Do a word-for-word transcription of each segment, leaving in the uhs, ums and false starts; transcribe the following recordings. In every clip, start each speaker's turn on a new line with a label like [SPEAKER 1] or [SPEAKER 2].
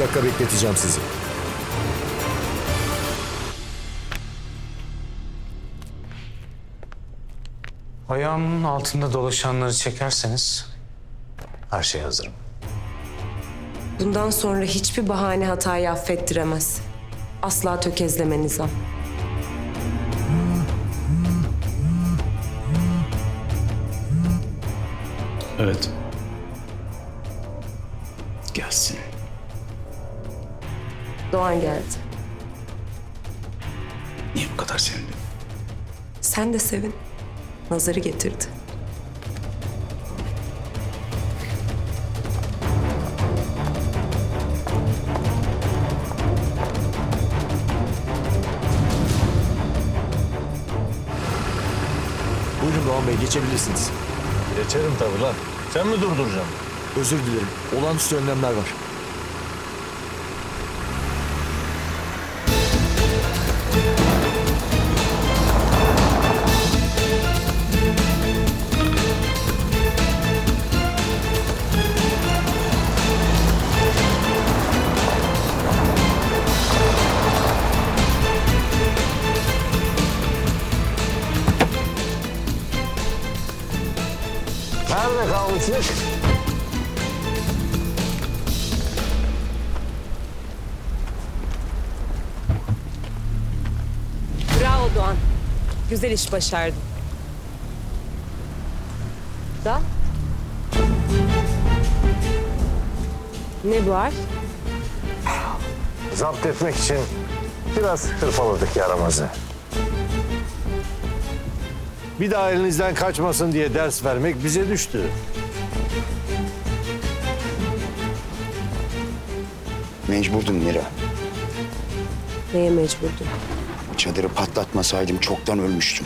[SPEAKER 1] dakika bekleteceğim sizi.
[SPEAKER 2] Ayağımın altında dolaşanları çekerseniz her şeye hazırım.
[SPEAKER 3] Bundan sonra hiçbir bahane hatayı affettiremez. Asla tökezleme Nizam.
[SPEAKER 4] Evet. Gelsin.
[SPEAKER 3] Doğan geldi.
[SPEAKER 4] Niye bu kadar sevindin?
[SPEAKER 3] Sen de sevin. Nazarı getirdi.
[SPEAKER 1] Buyurun Doğan Bey, geçebilirsiniz.
[SPEAKER 5] Geçerim tabii lan. Sen mi durduracaksın?
[SPEAKER 1] Özür dilerim. Olağanüstü önlemler var.
[SPEAKER 5] Nerede kalmıştık?
[SPEAKER 3] Bravo Doğan. Güzel iş başardın. Da? Ne bu harf?
[SPEAKER 5] Zapt etmek için biraz hırpaladık yaramazı. Bir daha elinizden kaçmasın diye ders vermek bize düştü.
[SPEAKER 6] Mecburdum Mira.
[SPEAKER 3] Neye mecburdun?
[SPEAKER 6] Çadırı patlatmasaydım çoktan ölmüştüm.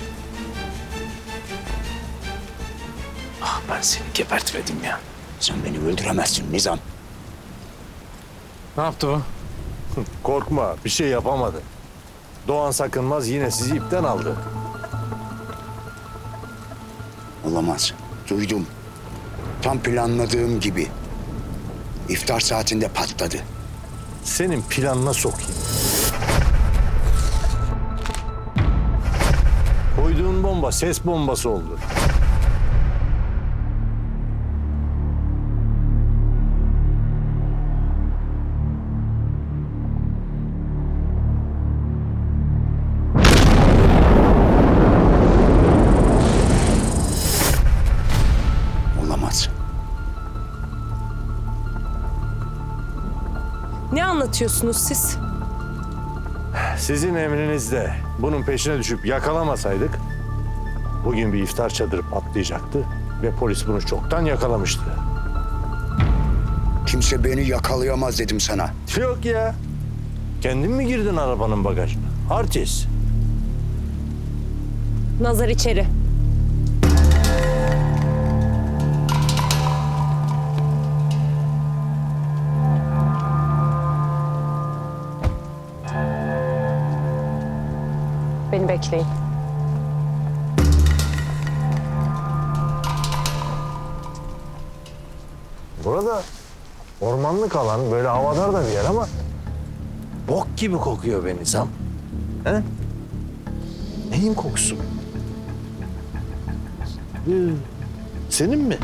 [SPEAKER 4] Ah ben seni gebertmedim ya.
[SPEAKER 6] Sen beni öldüremezsin Nizam.
[SPEAKER 4] Ne yaptı bu?
[SPEAKER 5] Korkma, bir şey yapamadı. Doğan Sakınmaz yine sizi ipten aldı.
[SPEAKER 6] Olamaz. Duydum. Tam planladığım gibi. İftar saatinde patladı.
[SPEAKER 5] Senin planına sokayım. Koyduğun bomba ses bombası oldu.
[SPEAKER 6] Olamaz.
[SPEAKER 3] Ne anlatıyorsunuz siz?
[SPEAKER 5] Sizin emrinizde bunun peşine düşüp yakalamasaydık bugün bir iftar çadırı patlayacaktı ve polis bunu çoktan yakalamıştı.
[SPEAKER 6] Kimse beni yakalayamaz dedim sana.
[SPEAKER 5] Yok ya. Kendin mi girdin arabanın bagajına? Artist.
[SPEAKER 3] Nazar içeri. Beni bekleyin.
[SPEAKER 5] Burada ormanlık alan, böyle havadar da bir yer ama bok gibi kokuyor be Nizam. He? Neyin kokusu? Ee, senin mi?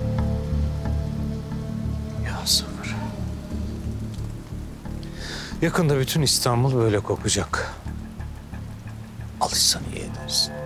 [SPEAKER 2] Ya sabır. Yakında bütün İstanbul böyle kokacak. Alışsan iyi edersin.